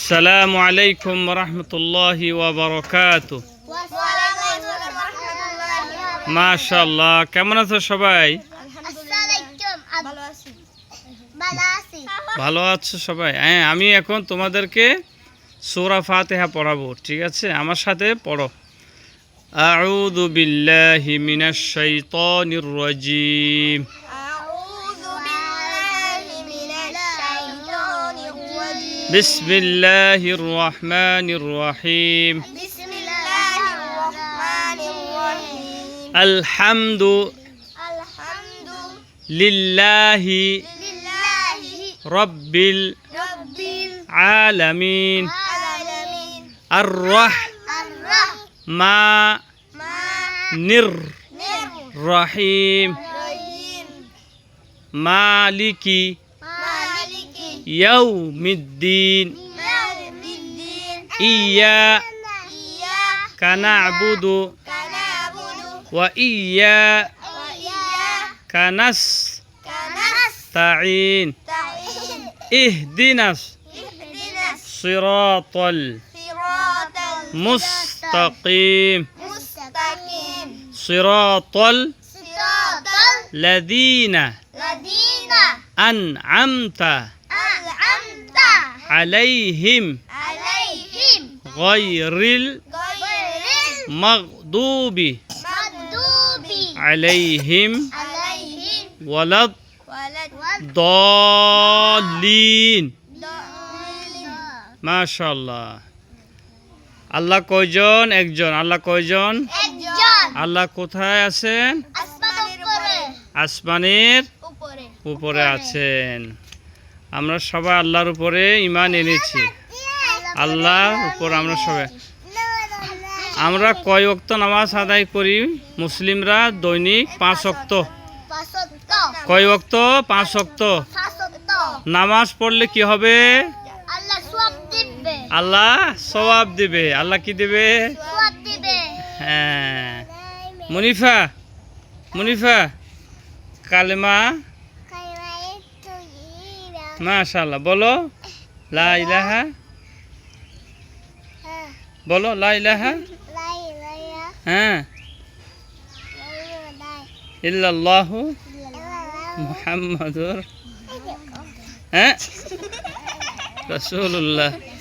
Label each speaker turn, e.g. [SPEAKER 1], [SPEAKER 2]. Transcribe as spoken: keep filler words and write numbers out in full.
[SPEAKER 1] আসসালামু আলাইকুম রহমতুল্লাহি ওয়া বারাকাতুহু। মাশাআল্লাহ, কেমন আছো সবাই? ভালো আছো সবাই? হ্যাঁ, আমি এখন তোমাদেরকে সূরা ফাতিহা পড়াবো, ঠিক আছে? আমার সাথে পড়ো। আউযু বিল্লাহি মিনাশ শাইতানির রাজীম। بسم الله الرحمن الرحيم.
[SPEAKER 2] بسم الله الرحمن الرحيم.
[SPEAKER 1] الحمد
[SPEAKER 2] الحمد
[SPEAKER 1] لله
[SPEAKER 2] لله
[SPEAKER 1] رب
[SPEAKER 2] رب
[SPEAKER 1] العالمين
[SPEAKER 2] العالمين.
[SPEAKER 1] الرحمن
[SPEAKER 2] الرحمن
[SPEAKER 1] الرحيم
[SPEAKER 2] الرحيم.
[SPEAKER 1] مالك
[SPEAKER 2] مالك
[SPEAKER 1] يوم الدين.
[SPEAKER 2] يوم الدين.
[SPEAKER 1] إياك
[SPEAKER 2] إياك
[SPEAKER 1] نعبد
[SPEAKER 2] نعبد
[SPEAKER 1] وإياك
[SPEAKER 2] وإياك
[SPEAKER 1] نستعين.
[SPEAKER 2] نستعين.
[SPEAKER 1] اهدنا
[SPEAKER 2] اهدنا
[SPEAKER 1] الصراط
[SPEAKER 2] الصراط
[SPEAKER 1] المستقيم.
[SPEAKER 2] المستقيم.
[SPEAKER 1] صراط
[SPEAKER 2] صراط
[SPEAKER 1] الذين
[SPEAKER 2] الذين
[SPEAKER 1] أنعمت
[SPEAKER 2] أنعمت
[SPEAKER 1] عليهم
[SPEAKER 2] عليهم
[SPEAKER 1] غير
[SPEAKER 2] غير
[SPEAKER 1] المغضوب
[SPEAKER 2] المغضوب
[SPEAKER 1] عليهم
[SPEAKER 2] عليهم
[SPEAKER 1] ولا
[SPEAKER 2] ولا
[SPEAKER 1] الضالين.
[SPEAKER 2] الضالين.
[SPEAKER 1] মাশাআল্লাহ। আল্লাহ কয়জন? একজন। আল্লাহ কয়জন?
[SPEAKER 2] একজন
[SPEAKER 1] আল্লাহ কোথায় আছেন?
[SPEAKER 2] আসমানের উপরে
[SPEAKER 1] আসমানের
[SPEAKER 2] উপরে
[SPEAKER 1] উপরে আছেন। আমরা সবাই আল্লাহর উপরে ঈমান এনেছি। আল্লাহর উপর আমরা সবাই আমরা কয় ওয়াক্ত নামাজ আদায় করি? মুসলিমরা দৈনিক পাঁচ ওয়াক্ত।
[SPEAKER 2] পাঁচত্ব
[SPEAKER 1] কয় ওয়াক্ত? পাঁচ ওয়াক্ত।
[SPEAKER 2] পাঁচত্ব
[SPEAKER 1] নামাজ পড়লে কি হবে?
[SPEAKER 2] আল্লাহ সওয়াব দিবে
[SPEAKER 1] আল্লাহ সওয়াব দিবে। আল্লাহ কি দিবে?
[SPEAKER 2] সওয়াব দিবে।
[SPEAKER 1] হ্যাঁ। মুনিফা মুনিফা কালেমা মাশাআল্লাহ বলো। লা ইলাহা বলো। লা ইলাহা হ্যাঁ ইল্লাল্লাহু মুহাম্মাদুর হ্যাঁ রাসূলুল্লাহ